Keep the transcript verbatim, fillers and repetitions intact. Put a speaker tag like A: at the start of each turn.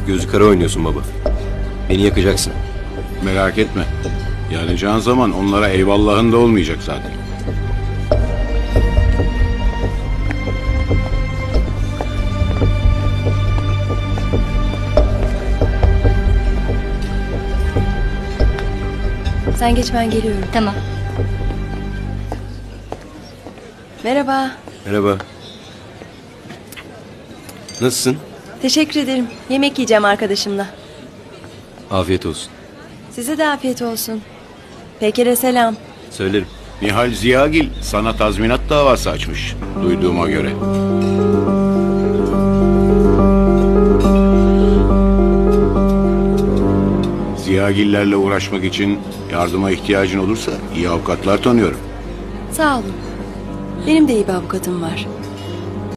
A: Gözü kara oynuyorsun baba. Beni yakacaksın.
B: Merak etme. Yanacağın zaman onlara eyvallahın da olmayacak zaten.
C: Sen geç, ben geliyorum.
D: Tamam.
C: Merhaba.
A: Merhaba. Nasılsın?
C: Teşekkür ederim. Yemek yiyeceğim arkadaşımla.
A: Afiyet olsun.
C: Size de afiyet olsun. Peker'e selam.
A: Söylerim.
B: Nihal Ziyagil sana tazminat davası açmış. Duyduğuma göre. Ziyagillerle uğraşmak için yardıma ihtiyacın olursa iyi avukatlar tanıyorum.
C: Sağ olun. Benim de iyi bir avukatım var.